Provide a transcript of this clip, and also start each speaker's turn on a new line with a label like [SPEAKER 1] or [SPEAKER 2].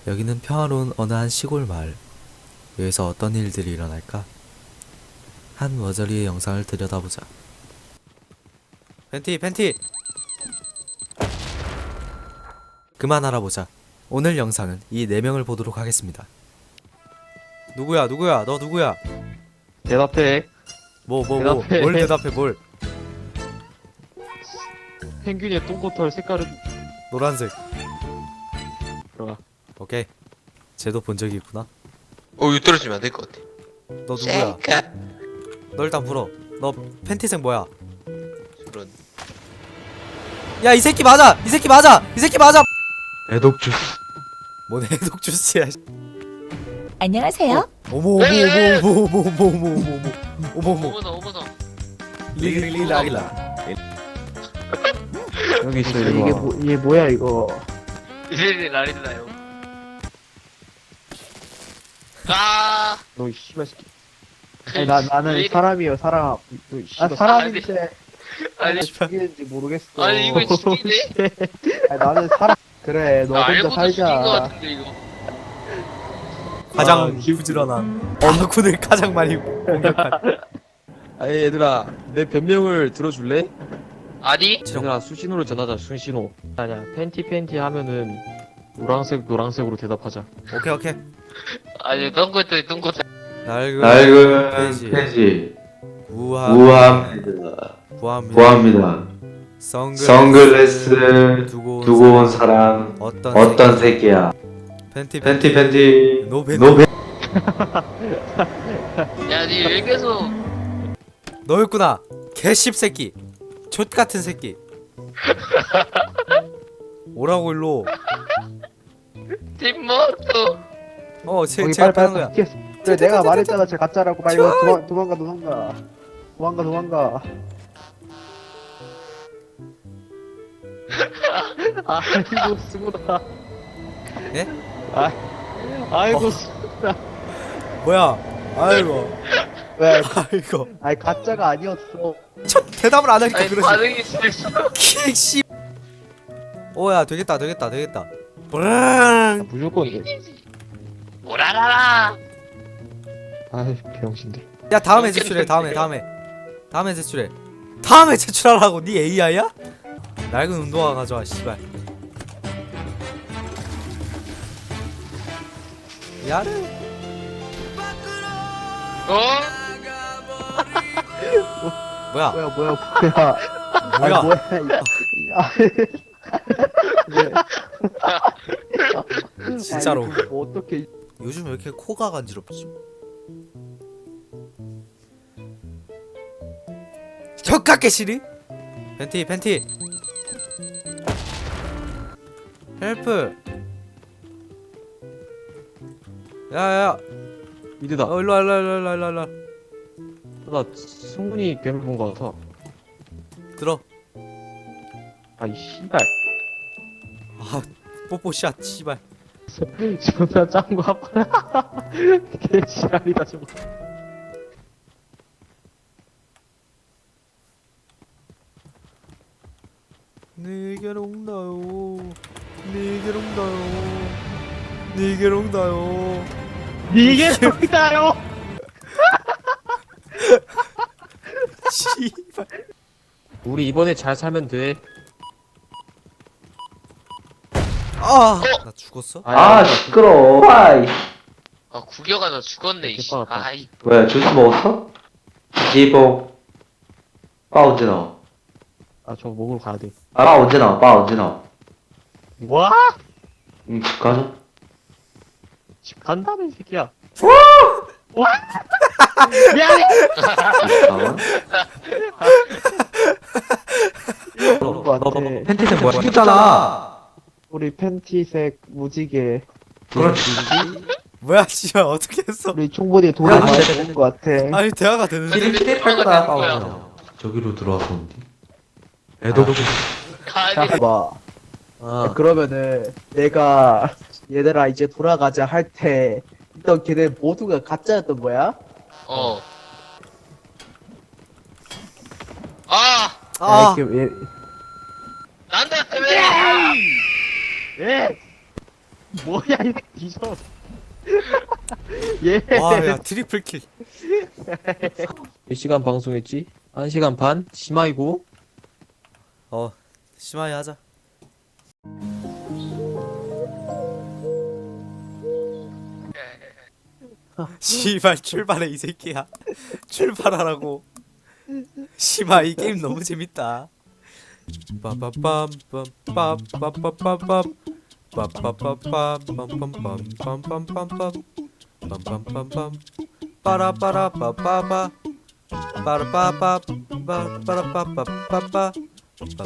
[SPEAKER 1] 여기는 평화로운 어느 한 시골 마을. 여기서 어떤 일들이 일어날까? 한 머저리의 영상을 들여다보자. 팬티! 그만 알아보자. 오늘 영상은 이 4명을 보도록 하겠습니다. 누구야? 너 누구야?
[SPEAKER 2] 대답해. 대답해.
[SPEAKER 1] 뭘 대답해, 뭘?
[SPEAKER 2] 펭귄의 똥꼬털 색깔은
[SPEAKER 1] 노란색.
[SPEAKER 2] 들어가.
[SPEAKER 1] 오케이. 쟤도 본 적이 있구나.
[SPEAKER 3] 이거 떨어지면 안 될 것 같아.
[SPEAKER 1] 너 누구야? 너 일단 물어. 너 팬티색 뭐야?
[SPEAKER 3] 저런.
[SPEAKER 1] 야, 이 새끼 맞아! 이 새끼 맞아!
[SPEAKER 2] 애독 주스.
[SPEAKER 1] 뭔 해독 주스야.
[SPEAKER 4] 안녕하세요.
[SPEAKER 1] 어머.
[SPEAKER 3] 어머나.
[SPEAKER 1] 릴라.
[SPEAKER 2] 여기 있어
[SPEAKER 5] 이게
[SPEAKER 2] 이거.
[SPEAKER 5] 이게 뭐야 이거?
[SPEAKER 3] 이제 날리나요? 아,
[SPEAKER 2] 너 씨발 새끼.
[SPEAKER 5] 아니, 나는 사람이요 사람.
[SPEAKER 2] 너
[SPEAKER 5] 아
[SPEAKER 2] 씨발.
[SPEAKER 5] 사람인데
[SPEAKER 3] 아니,
[SPEAKER 5] 죽이는지 모르겠어.
[SPEAKER 3] 아니 이거 죽이네.
[SPEAKER 5] 아니, 나는 사람. 그래 너 혼자
[SPEAKER 3] 알고도 죽인 것
[SPEAKER 5] 살자.
[SPEAKER 3] 같은데 이거.
[SPEAKER 1] 가장 부지런한 어느군을 가장 많이 공격한.
[SPEAKER 2] 아니 얘들아, 내 변명을 들어줄래?
[SPEAKER 3] 아니?
[SPEAKER 2] 얘들아, 수신호를 전하자. 수신호. 아니야, 팬티 하면은 노란색으로 대답하자.
[SPEAKER 1] 오케이.
[SPEAKER 3] 아니 똥꼬털.
[SPEAKER 1] 낡은
[SPEAKER 6] 폐지
[SPEAKER 1] 구합니다.
[SPEAKER 6] 구합니다. 선글라스
[SPEAKER 1] 두고
[SPEAKER 6] 두고 온 사람 어떤 새끼야? 팬티
[SPEAKER 1] 노베.
[SPEAKER 3] 야니 왜 계속?
[SPEAKER 1] 너였구나. 개씹새끼. 족같은 새끼. 오라고 일로.
[SPEAKER 3] 팀모토.
[SPEAKER 5] 거기
[SPEAKER 1] 제가
[SPEAKER 5] 빨리
[SPEAKER 1] 하는 거야.
[SPEAKER 5] 그래 내가 말했잖아 저 가짜라고. 빨리 도망가.
[SPEAKER 2] 아이고 수고다.
[SPEAKER 1] 예?
[SPEAKER 2] 아이고
[SPEAKER 1] 뭐야? 아이고.
[SPEAKER 5] 왜?
[SPEAKER 1] 아이고.
[SPEAKER 5] 아니 가짜가 아니었어.
[SPEAKER 1] 첫 대답을 안 하니까
[SPEAKER 3] 아니
[SPEAKER 1] 그러지.
[SPEAKER 3] 반응이 실수.
[SPEAKER 1] 킥씨. 오야 되겠다. 브랑.
[SPEAKER 2] 무조건.
[SPEAKER 3] 오라라라.
[SPEAKER 2] 아이 병신들.
[SPEAKER 1] 야 다음에 제출해. 다음에 제출해. 다음에 제출하라고. 네 AI야? 낡은 운동화 가져와 씨발. 야르. 뭐야?
[SPEAKER 5] 뭐야?
[SPEAKER 1] 뭐야?
[SPEAKER 5] 아니, 뭐야 이거.
[SPEAKER 1] 진짜로.
[SPEAKER 5] 아니, 그거 어떻게?
[SPEAKER 1] 요즘 왜 이렇게 코가 간지럽지? 혀깎게 시리? 팬티 헬프. 야야야.
[SPEAKER 2] 미드다.
[SPEAKER 1] 일로와.
[SPEAKER 2] 나 승훈이 괴물 본 거 같아.
[SPEAKER 1] 들어.
[SPEAKER 2] 아이 씨발.
[SPEAKER 1] 아 뽀뽀샷 씨발.
[SPEAKER 2] 존나 짱구 아파라. 개 지랄이다 저거.
[SPEAKER 1] 네게로 온다요.
[SPEAKER 2] 이게 소리다요.
[SPEAKER 1] 씨발.
[SPEAKER 2] 우리 이번에 잘 살면 돼.
[SPEAKER 1] 나 죽었어?
[SPEAKER 6] 아 시끄러워. 아이
[SPEAKER 3] 아 구겨가 너 죽었네 이씨.
[SPEAKER 2] 개빠갔다.
[SPEAKER 3] 아이
[SPEAKER 6] 왜 주스 먹었어? 지봉 빠 언제 나와?
[SPEAKER 2] 아 저거 먹으러 가야 돼.
[SPEAKER 6] 빠 언제 나와?
[SPEAKER 2] 뭐?
[SPEAKER 6] 집 가자.
[SPEAKER 2] 집 간다며 이 새끼야. 와! 미안해.
[SPEAKER 6] 가만.
[SPEAKER 5] 그런 거 같아.
[SPEAKER 6] 팬티는 뭐야? 죽였잖아.
[SPEAKER 5] 우리 팬티색 무지개.
[SPEAKER 6] 그렇지.
[SPEAKER 1] 뭐야 씨발 어떻게 했어?
[SPEAKER 5] 우리 총보디에 돈을
[SPEAKER 6] 야,
[SPEAKER 5] 많이
[SPEAKER 6] 진짜.
[SPEAKER 5] 먹은 거 같아.
[SPEAKER 1] 아니 대화가 되는데?
[SPEAKER 6] 할 거다. 빠
[SPEAKER 3] 뭐야?
[SPEAKER 6] 언제 나와? 저기로 들어와서 온디.
[SPEAKER 2] 애도
[SPEAKER 3] 가니.
[SPEAKER 5] 봐.
[SPEAKER 2] 아
[SPEAKER 5] 그러면은 내가 얘들아 이제 돌아가자 할 때 있던 걔네 모두가 가짜였던 거야?
[SPEAKER 3] 어. 아,
[SPEAKER 1] 아
[SPEAKER 5] 이렇게 왜
[SPEAKER 3] 난다 때문에.
[SPEAKER 2] 예! 뭐야 이 뒤져. 예.
[SPEAKER 1] 와야 트리플 킬.
[SPEAKER 2] 몇 시간 방송했지? 1시간 반? 심하이고.
[SPEAKER 1] 심하게 하자. 씨발 출발해 이 새끼야. 출발하라고. 심하 이 게임 너무 재밌다. 빰빰빰빰빰빰빰빰빰 빰빰빰빰빰빰빰빰빰빰빰 빰빰빰빰 빠라빠라빠빠빠 빠라빠빠 빠라빠빠빠빠